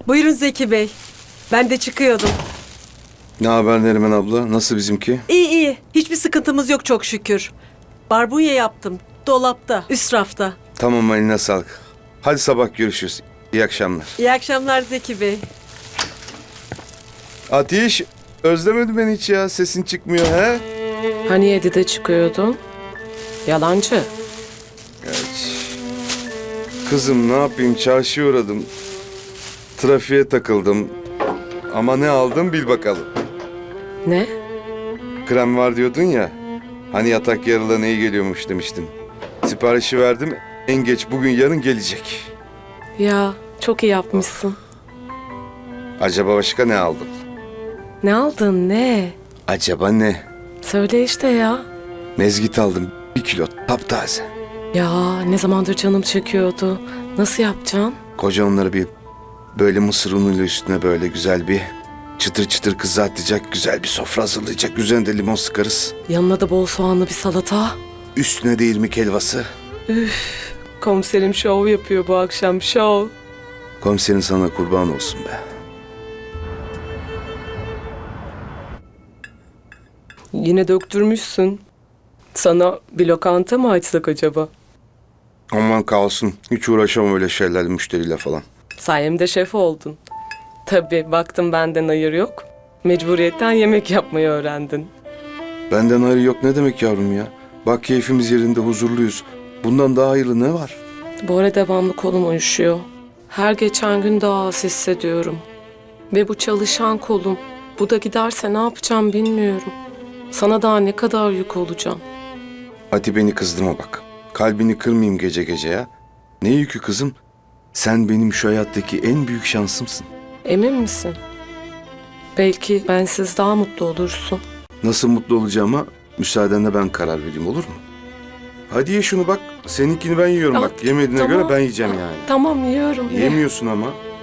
Buyurun Zeki Bey. Ben de çıkıyordum. Ne haber Neriman abla? Nasıl bizimki? İyi iyi. Hiçbir sıkıntımız yok çok şükür. Barbunya yaptım. Dolapta, üst rafta. Tamam, eline sağlık. Hadi sabah görüşürüz. İyi akşamlar. İyi akşamlar Zeki Bey. Ateş, özlemedi beni hiç ya. Sesin çıkmıyor he? Hani 7'de çıkıyordun? Yalancı. Kızım ne yapayım, çarşıya uğradım. Trafiğe takıldım. Ama ne aldım bil bakalım. Ne? Krem var diyordun ya. Hani yatak yarılığına iyi geliyormuş demiştin. Siparişi verdim. En geç bugün yarın gelecek. Ya çok iyi yapmışsın. Acaba başka ne aldım? Ne aldın ne? Acaba ne? Söyle işte ya. Mezgit aldım. 1 kilo taptaze. Ya ne zamandır canım çekiyordu. Nasıl yapacaksın? Koca onları bir böyle mısır unuyla üstüne böyle güzel bir çıtır çıtır kızartacak, güzel bir sofra hazırlayacak. Üzerine de limon sıkarız. Yanına da bol soğanlı bir salata. Üstüne de irmik helvası. Komiserim şov yapıyor bu akşam şov. Komiserin sana kurban olsun be. Yine döktürmüşsün. Sana bir lokanta mı açsak acaba? Aman kalsın. Hiç uğraşamam öyle şeylerle, müşteriyle falan. Sayemde şef oldun. Tabii baktım benden hayır yok. Mecburiyetten yemek yapmayı öğrendin. Benden hayır yok ne demek yavrum ya? Bak keyfimiz yerinde, huzurluyuz. Bundan daha hayırlı ne var? Bu ara devamlı kolum uyuşuyor. Her geçen gün daha az hissediyorum. Ve bu çalışan kolum. Bu da giderse ne yapacağım bilmiyorum. Sana daha ne kadar yük olacağım. Hadi beni kızdırma bak. Kalbini kırmayayım gece gece ya. Ne yükü kızım? Sen benim şu hayattaki en büyük şansımsın. Emin misin? Belki bensiz daha mutlu olursun. Nasıl mutlu olacağıma müsaadenle ben karar vereyim, olur mu? Hadi ye şunu bak. Seninkini ben yiyorum Ah, bak. Yemediğine tamam. göre ben yiyeceğim yani. Tamam yiyorum. Ye. Yemiyorsun ama.